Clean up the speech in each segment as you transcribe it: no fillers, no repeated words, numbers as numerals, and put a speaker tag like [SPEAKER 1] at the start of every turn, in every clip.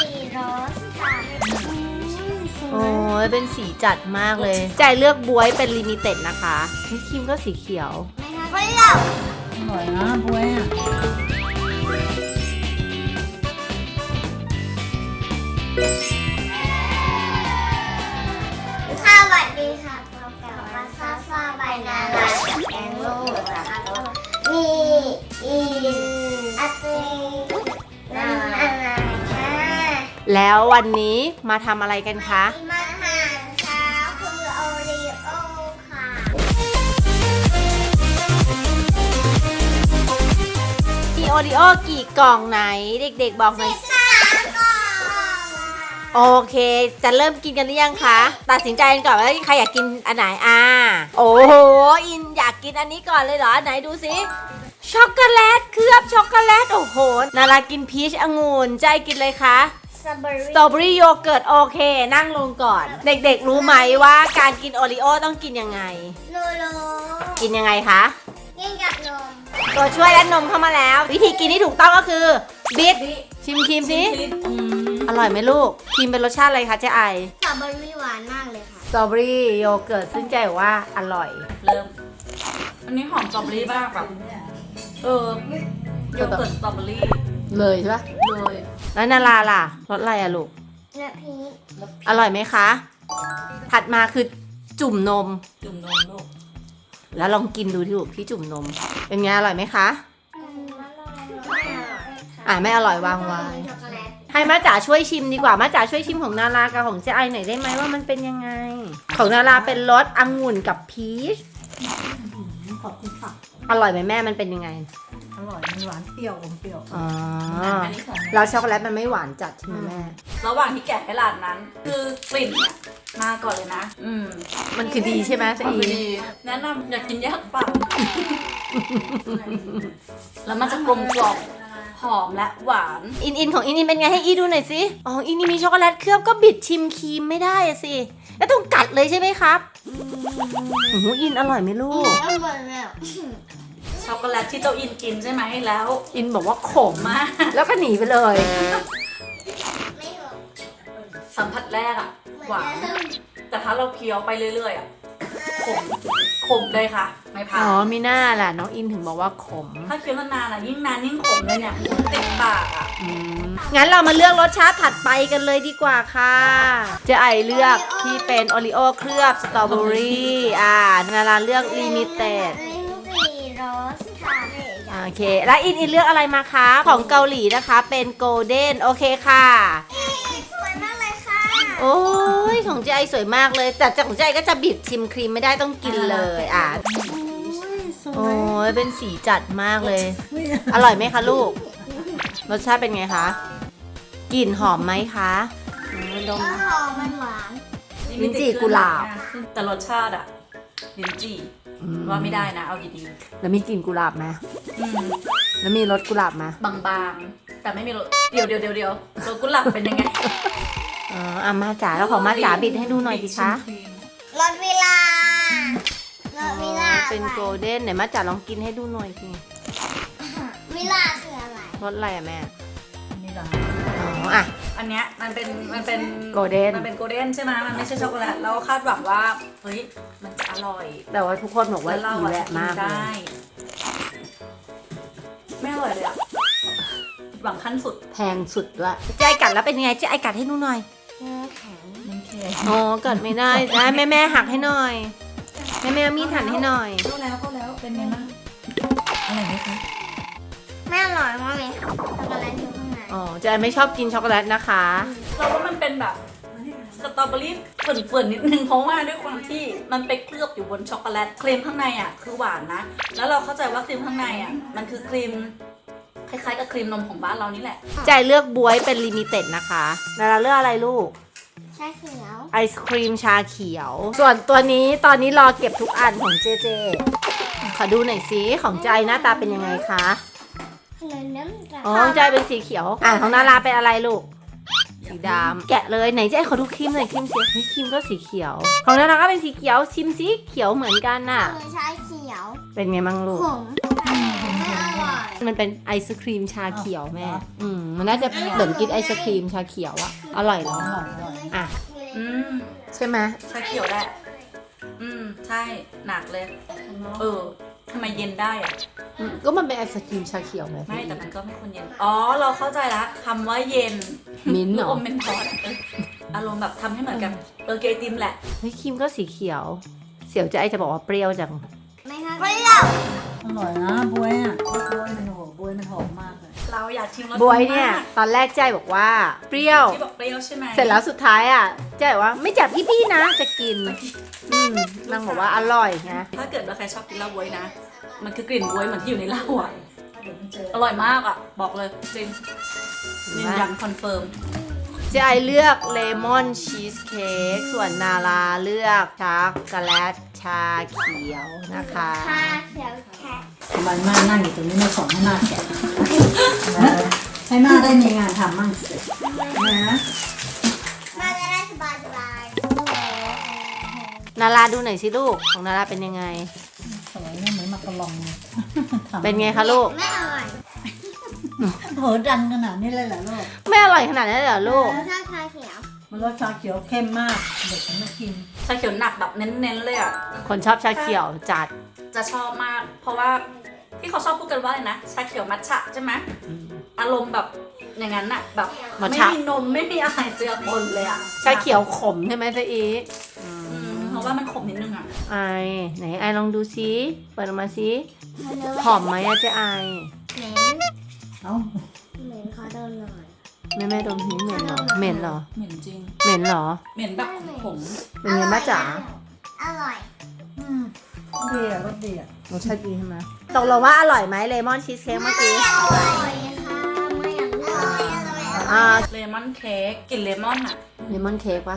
[SPEAKER 1] โรสค่ะ
[SPEAKER 2] โอ้ยเป็นสีจัดมากเลยใจเลือกบ๊วยเป็นลิมิเต็ดนะคะนี่ครีมก็สีเขียว
[SPEAKER 1] ไม่หรอก
[SPEAKER 3] อร่อยนะบวยอ่ะ
[SPEAKER 1] สวัสดีค่ะพบกับมาซาซาใบนานาแกงลูกนะคะมีอีอาตีนานาค่ะ
[SPEAKER 2] แล้ววันนี้มาทำอะไรกันคะ
[SPEAKER 1] อาหารเช้าคือโอรีโอค่ะ
[SPEAKER 2] มีโอริโอกี่กล่องไหนเด็กๆบอกหน่อย
[SPEAKER 1] 3 กล่อง
[SPEAKER 2] โอเค จะเริ่มกินกันหรือยังคะ ตัดสินใจกันก่อนว่าใครอยากกินอันไหนโอ้โห อินอยากกินอันนี้ก่อนเลยเหรอ ไหนดูสิ ช็อกโกแลตเคลือบช็อกโกแลต โอ้โห นารากินพีชองุ่นใจกินเลยคะ
[SPEAKER 1] สตรอเบอรี่
[SPEAKER 2] สตรอเบอรี่โยเกิร์ตโอเค นั่งลงก่อน เด็กๆรู้ไหมว่าการกินโอริโอต้องกินยังไง
[SPEAKER 1] โลโล
[SPEAKER 2] กินยังไงคะ
[SPEAKER 1] กินกับนม
[SPEAKER 2] ตัวช่วยและนมเข้ามาแล้ว วิธีกินที่ถูกต้องก็คือบิดชิมครีมสิอร่อยไหมลูกครีมเป็นรสชาติอะไรคะเจ๊ไอ
[SPEAKER 1] สตรอเบอรี่หวานมากเลยค่ะ
[SPEAKER 2] สตรอเบอรี่โยเกิร์ตซึ่งใจบอกว่าอร่อย
[SPEAKER 3] เริ่ม อันนี้หอมสตรอเบอรี่มากแบบโยเกิร์ตสตรอเบอรี่
[SPEAKER 2] เลยใช่ปะ
[SPEAKER 3] เลย
[SPEAKER 2] แล้วนาราล่ะรสอะไรอะลูก
[SPEAKER 1] เนื้อพีช
[SPEAKER 2] อร่อยไหมคะถัดมาคือจุ่มนม
[SPEAKER 3] จุ่มนมลูก
[SPEAKER 2] แล้วลองกินดูที่ลูกที่จุ่มนม เป็นไงอร่อยไหมคะ ไม่อร่อยวางไว้
[SPEAKER 1] ช็อกโกแลต
[SPEAKER 2] ให้มาจ๋าช่วยชิมดีกว่ามาจ๋าช่วยชิมของนารากับของเจ๊ไอหน่อยได้ไหมว่ามันเป็นยังไง ของนาราเป็นรสองุ่นกับพีช
[SPEAKER 3] ขอบคุณค่ะ
[SPEAKER 2] อร่อยไหมแม่มันเป็นยังไง
[SPEAKER 3] อร่อยมันหวานเปรี้ยวอมเปรี้ยว
[SPEAKER 2] อ๋อ
[SPEAKER 3] อันนี้ของ
[SPEAKER 2] แล้วช็อกโกแลตมันไม่หวานจัดใช่ไหมแม่
[SPEAKER 3] ระหว่างที่แกะให้หลานนั้น คือกลิ่นเนี่ยมาก่อนเลยนะ
[SPEAKER 2] มันคือดีใช่ไหมเจ๊
[SPEAKER 3] พอ
[SPEAKER 2] อี
[SPEAKER 3] ดีแนะนำอยากกินแยกฝั่งแล้วมันจะกลมกล่อมหอมและหวาน
[SPEAKER 2] อินของอินเป็นไงให้อีดูหน่อยสิอ๋ออินมีช็อกโกแลตเคลือบก็บิดชิมครีมไม่ได้อะสิแล้วต้องกัดเลยใช่ไหมครับโอ้โหอินอร่อยไหมลูก
[SPEAKER 1] อร่อยแล้ว
[SPEAKER 3] ช็อกโกแลตที่เจ้าอินกินใช่ไหมแล้ว
[SPEAKER 2] อินบอกว่าขม
[SPEAKER 3] มาก
[SPEAKER 2] แล้วก็หนีไปเลย
[SPEAKER 1] ไม่หรอก
[SPEAKER 3] สัมผัสแรกอะหวาน แต่ถ้าเราเคี้ยวไปเรื่อยๆอะขมเลยค่ะ ไม่ผ่า
[SPEAKER 2] อ๋
[SPEAKER 3] น
[SPEAKER 2] อมีหน้าแหละน้องอินถึงบอกว่าขม
[SPEAKER 3] ถ้าเคี้ยวนานๆอะยิ่งนานยิ่งขมเลยเนี่ยติดปากอะ
[SPEAKER 2] งั้นเรามาเลือกรสชาติถัดไปกันเลยดีกว่าค่ะเจ๊ไอเลือกที่เป็นโอริโอเคลือบสตรอเบอรี่นาราเลือกลิมิเต็ด
[SPEAKER 1] ลิ้นจี่โรสค่ะ
[SPEAKER 2] โอเค แล้วอินเลือกอะไรมาคะ ของเกาหลีนะคะเป็นโกลเด้นโอเคค่ะ
[SPEAKER 1] สวยมากเลยค่ะ
[SPEAKER 2] โอ้ยของเจ๊ไอสวยมากเลย แต่ของเจ๊ไอก็จะบีบชิมครีมไม่ได้ต้องกินเลยโอ้ยเป็นสีจัดมากเลย อร่อยไหมคะลูก รสชาติเป็นไงคะกลิ่นหอมไหมคะดม
[SPEAKER 1] หอมมันหวาน
[SPEAKER 2] ลิ้นจี่กุหลาบ
[SPEAKER 3] แต่รสชาติอะลิ้นจี่ว่าไม่ได้นะเอาดี
[SPEAKER 2] แล้วมีกลิ่นกุหลาบไหม
[SPEAKER 3] ๆอืม
[SPEAKER 2] แล้วมีรสกุหลาบไหม
[SPEAKER 3] บางๆ แต่ไม่มีรสเดี๋ยวรสกุหลาบเป็นยังไง
[SPEAKER 2] มาจ๋าแล้วของมาจ๋าบิดให้ดูหน่อยสิคะ
[SPEAKER 1] รสวิลารสวิลา
[SPEAKER 2] เป็นโกลเด้นไหนมาจ๋าลองกินให้ดูหน่อยสิ
[SPEAKER 1] วิลาคืออะไร
[SPEAKER 2] รสอะไรอะแม่
[SPEAKER 3] นี่เหรออันเนี้ยมันเป็น
[SPEAKER 2] โกลเด้น
[SPEAKER 3] มันเป็นโกลเด้นใช่ไหมมันไม่ใช่ช็อกโกแลตเราคาดหวังว่าเฮ้ยมันจะอร่อย
[SPEAKER 2] แต่ว่าทุกคนบอกว่า
[SPEAKER 3] แล้วเรา
[SPEAKER 2] อี
[SPEAKER 3] อะ
[SPEAKER 2] แหละ
[SPEAKER 3] กิน
[SPEAKER 2] มากเล
[SPEAKER 3] ได้
[SPEAKER 2] ย
[SPEAKER 3] ไม่อร่อยเลยอะหวังขั้นสุด
[SPEAKER 2] แพงสุดด้วยเจ๊ไอกัดแล้วเป็นยังไงเจ๊ไอกัดให้ดูหน่อย
[SPEAKER 1] เนื้อแข็ง
[SPEAKER 3] มันแค่
[SPEAKER 2] อ๋อกัดไม่ได้ได้แม่หักให้หน่อยแม่เอามีดหั่นให้หน่อย
[SPEAKER 3] เข้าแล้วเป็นไงบ้างอร่อยไหมคะ
[SPEAKER 1] ไม่อร่อยมากเลยช็อกโกแลตอยู่ข้างใน
[SPEAKER 2] อ๋อเจ๊ไอไม่ชอบกินช็อกโกแลตนะคะ
[SPEAKER 3] เราว่ามันเป็นแบบสตรอเบอรี่เฝื่อนๆนิดนึงเพราะว่าด้วยความที่มันไปเคลือบอยู่บนช็อกโกแลตครีมข้างในอ่ะคือหวานนะแล้วเราเข้าใจว่าครีมข้างในอ่ะมันคือครีมคล้ายๆกับครีมนมของบ้านเรานี่แหละ
[SPEAKER 2] เจ๊ไอเลือกบ๊วยเป็นลิมิเต็ดนะคะแล้วเราเลือกอะไรลูก
[SPEAKER 1] ชาเขียว
[SPEAKER 2] ไอศครีมชาเขียว ส่วนตัวนี้ตอนนี้รอเก็บทุกอันของเจเจขอดูหน่อยสิของใจหน้าตาเป็นยังไงคะ
[SPEAKER 1] ขนมน้ำตาล
[SPEAKER 2] อ๋อของใจเป็นสีเขียวของนาราเป็นอะไรลูก สีดำแกะเลยไหนเจ๊ขอดูครีมหน่อยครีมสีเฮ้ยครีมก็สีเขียว ของนาราก็เป็นสีเขียวชิมสีเขียวเหมือนกันน่ะ
[SPEAKER 1] คือชาเขียว
[SPEAKER 2] เป็นไงบ้างลูก
[SPEAKER 1] ขมไม่อร่อย
[SPEAKER 2] มันเป็นไอศครีมชาเขียวแม่มันน่าจะเหมือนกินไอศครีมชาเขียวอะอร่อยเหรออ่ะ
[SPEAKER 3] อืม
[SPEAKER 2] ใช่ไหม
[SPEAKER 3] ชาเขียวแหละใช่หนักเลยทำไมเย็นได้อะ
[SPEAKER 2] ก็มันเป็นไอศครีมชาเขียวไหม
[SPEAKER 3] ไม่แต่มันก็ไม่ควรเย็นเราเข้าใจละคำว่าเย็น
[SPEAKER 2] มิ้นท์เหร
[SPEAKER 3] ลูก
[SPEAKER 2] อ
[SPEAKER 3] อมเมนทอสอารมณ์แบบทำให้เหมือนกับเกยติมแหละ
[SPEAKER 2] เฮ้ยครีมก็สีเขียว เสี่ยวจะไอจะบอกว่าเปรี้ยวจัง
[SPEAKER 1] ไม่ค่ะเปรี้ยว
[SPEAKER 4] อร่อยนะบวยอ่ะบวยมันโหบวยมันหอมมากเลย
[SPEAKER 3] เราอยากชิมรส
[SPEAKER 2] บวยเนี่ย ตอนแรกใจบอกว่าเปรี้ยว
[SPEAKER 3] ที่บอกเปรี้ยวใช่ไหม
[SPEAKER 2] เสร็จแล้วสุดท้ายอ่ะใจบอกว่าไม่จับพี่นะจะกินนางบอกว่าอร่อยนะ
[SPEAKER 3] ถ้าเกิดว่าใครชอบกินเหล้าบวยนะ มันคือกลิ่นบวยเหมือนที่อยู่ในเหล้าอ่ะอร่อยมากอ่ะบอกเลยจริงยืนยันคอนเฟิร์ม
[SPEAKER 2] เจไอเลือกเลมอนชีสเค้กส่วนนาราเลือกช็อกโกแลตชาเขียวนะคะ
[SPEAKER 1] ชาเขียวแฉะ
[SPEAKER 4] ทำไมม่านั่งอยู่ตรงนี้ไม่สอนให้ม่าแกะให้ม่าได้มีงานทำมั่งสินะ
[SPEAKER 1] มาจะได้สบาย
[SPEAKER 2] นาราดูหน่อยสิลูกของนาราเป็นยังไง
[SPEAKER 4] สวยเนี่ยเหมือนมากระลองเลยทำ
[SPEAKER 2] เป็นไงคะลูก
[SPEAKER 1] ไม่อร่อย
[SPEAKER 4] โหดันขนาดนี้เลยเหรอลูก
[SPEAKER 2] ไม่อร่อยขนาดนั้นเลยเหรอลูก
[SPEAKER 1] ชอบชาเขียว
[SPEAKER 4] มันรสชาเขียวเข้มมากเด็กไม่กิน
[SPEAKER 3] ชาเขียวหนักแบบเน้นๆเลยอ่ะ
[SPEAKER 2] คนชอบชาเขียวจัด
[SPEAKER 3] จะชอบมาก เพราะว่าที่เขาชอบพูดกันว่าอะไรนะชาเขียวมัทฉะใช่ไหมอารมณ์แบบอย่างนั้นน่ะแบบ
[SPEAKER 2] มัท
[SPEAKER 3] ไม่
[SPEAKER 2] ฉะ
[SPEAKER 3] มีนมไม่มีอะไรเจือปนเลยอ่ะ
[SPEAKER 2] ชาเขียวขมใช่ไหมเจ๊อี
[SPEAKER 3] เพราะว่ามันขมนิดนึงอ่ะ
[SPEAKER 2] ไอไหนไอลองดูซิเปิดออกมาซิหอมไหมอะเจ๊ไอ
[SPEAKER 1] เหม็น
[SPEAKER 4] เอ้า
[SPEAKER 1] เหม็นขอโดนหน่อย
[SPEAKER 2] แม่ดมทีเหม็นเหรอเหม็นเหรอ
[SPEAKER 3] เหม็นจริง
[SPEAKER 2] เหม็นเหรอ
[SPEAKER 3] เหม็นแบบขม
[SPEAKER 2] เป็นไงบ้าจ๋า
[SPEAKER 1] อร่อย
[SPEAKER 4] ดีอ่ะรสดีอ่ะ
[SPEAKER 2] รสชาติดีใช่ไหมตกลงว่าอร่อยไหมเลมอนชีสเค้กเมื่อกี้
[SPEAKER 1] อร่อยค่ะไม่อยากอร่อย
[SPEAKER 2] อ่า
[SPEAKER 3] เลมอนเค้กกลิ่นเลมอนอ่ะ
[SPEAKER 2] เลมอนเค้กปะ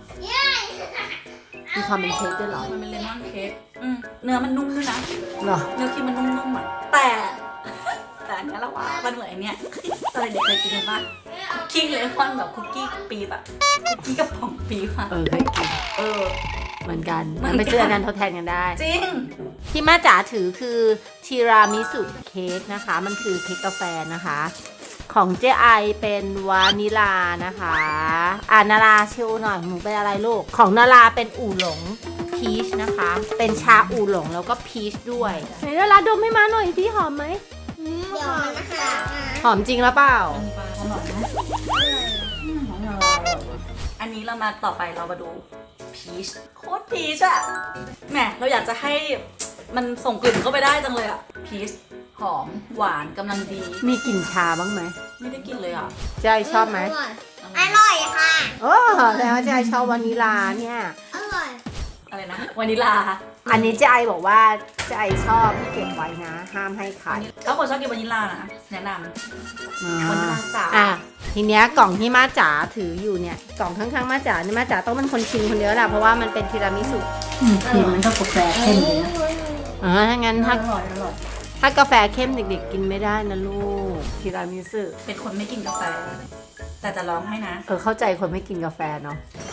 [SPEAKER 2] มีความเป็นเค้กด้วยเหรอ
[SPEAKER 3] มันเป็นเลมอนเค้กเนื้อมันนุ่มด้วยนะ
[SPEAKER 2] เหรอ
[SPEAKER 3] เนื้อครีมมันนุ่มๆอ่ะแต่อันเนี้ยเราว่ามันเหมือนไอ้เนี้ยตอนเด็กเคยกินกันปะคุกกี้เลมอนแบบคุกกี้ปี๊บอะคุกกี้กระป๋องปี๊บอะ
[SPEAKER 2] เคยกิน เหมือนกันมันไปซื้ออันนั้นทดแทนกันได้
[SPEAKER 3] จริง
[SPEAKER 2] ที่ม่าจ๋าถือคือทีรามิสุเค้กนะคะ มันคือเค้กกาแฟนะคะ ของเจ๊ไอเป็นวานิลานะคะนาราชิวหน่อยหนูเป็นอะไรลูก ของนาราเป็นอู่หลงพีชนะคะ เป็นชาอู่หลงแล้วก็พีชด้วยไหนนาราดมให้มาหน่อยพี่หอมไหม
[SPEAKER 1] เดี๋ยวมันนะคะ
[SPEAKER 2] หอมจริงแล้วเปล่า
[SPEAKER 4] อร่อยไหมของเรา
[SPEAKER 3] อันนี้เรามาต่อไปเรามาดูพีชโคตรพีชอะแหมเราอยากจะให้มันส่งกลิ่นเข้าไปได้จังเลยอะพีชหอมหวานกำลังดี
[SPEAKER 2] มีกลิ่นชาบ้างไหม
[SPEAKER 3] ไม่ได้กินเลยอะ
[SPEAKER 2] เจ๊ไอชอบไหม
[SPEAKER 1] อร่อยค่ะ
[SPEAKER 2] โอ้แล้วเจ๊ไอชอบวานิลาเนี่ย
[SPEAKER 1] อร่อย
[SPEAKER 3] อะไรนะวานิลา
[SPEAKER 2] อันนี้เจ๊ไอบอกว่าเจ๊ไอชอบที่เก็บไว้นะ ห้ามให้ใคร
[SPEAKER 3] ถ้าคนชอบกินวานิลานะแนะนำวานิลาจ๋า
[SPEAKER 2] ทีเนี้ยกล่องที่ม่าจ๋าถืออยู่เนี่ยกล่องข้างๆม่าจ๋าเนี่ยม่าจ๋าต้องเป็นคนชิมคนเดียวแหละเพราะว่ามันเป็นทีรามิสุ
[SPEAKER 4] ครีมมันก็กาแฟเข้มเลยนะ
[SPEAKER 2] ถ้างั้น
[SPEAKER 4] อ
[SPEAKER 2] ถ้า
[SPEAKER 4] ร่อยอร่อย
[SPEAKER 2] ถ้ากาแฟเข้มเด็กๆกินไม่ได้นะลูกทีรามิสุ
[SPEAKER 3] เป็นคนไม่กินกาแฟ แต่จะร้องให้นะ
[SPEAKER 2] เข้าใจคนไม่กินกาแฟเนาะ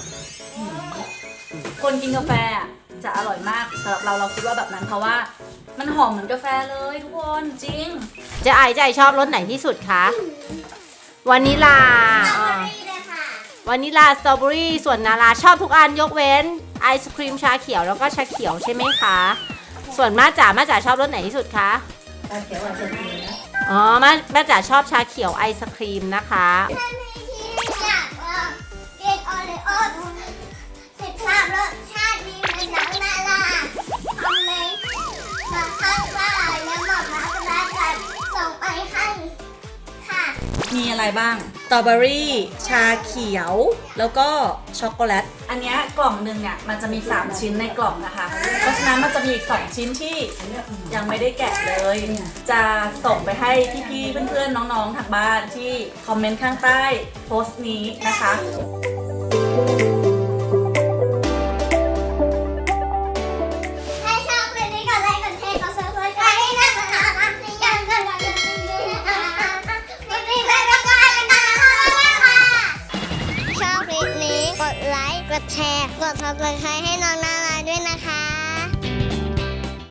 [SPEAKER 3] คนกินกาแฟอะจะอร่อยมากสำหรับเราคิดว่าแบบนั้นเพราะว่ามันหอมเหมือนกาแฟเลยทุกคนจริง
[SPEAKER 2] เจ๊ไอชอบรสไหนที่สุดคะวานิลา
[SPEAKER 1] นี่เลยค่ะ
[SPEAKER 2] วานิลาสตรอเบอรี่ส่วนนาราชอบทุกอันยกเว้นไอศครีมชาเขียวแล้วก็ชาเขียวใช่ไหมคะส่วนม่าจ๋าชอบรสไหนที่สุดคะ
[SPEAKER 4] ชาเขียวอาจจะดีนะ
[SPEAKER 2] ม่าจ๋าชอบชาเขียวไอศครีมนะคะ
[SPEAKER 1] ท่านที่อยากกินโอรีโอสิบภาพรสชาติดีเหมือนหนังนาราทำเลยมาข้างว่าแล้วหมดมาสบายใจส่งไปให้ค่ะ
[SPEAKER 3] มีอะไรบ้างสตรอเบอรี่ชาเขียว แล้วก็ช็อกโกแลต อันเนี้ยกล่องหนึ่งเนี่ยมันจะมี 3 ชิ้นในกล่องนะคะ เพราะฉะนั้นมันจะมีอีก 2 ชิ้นที่ยังไม่ได้แกะเลย จะส่งไปให้พี่ๆเพื่อนๆน้องๆทางบ้านที่คอมเมนต์ข้างใต้โพสต์นี้นะคะ
[SPEAKER 1] ถ้าชอบคลิปนี้กดไลค์กดแชร์กด subscribe ให้นะคะยังกันวันนี้วันนี้ไปแล้วก็ไปกันนะคะชอบคลิปนี้กดไลค์กดแชร์กด subscribe ให้น้อง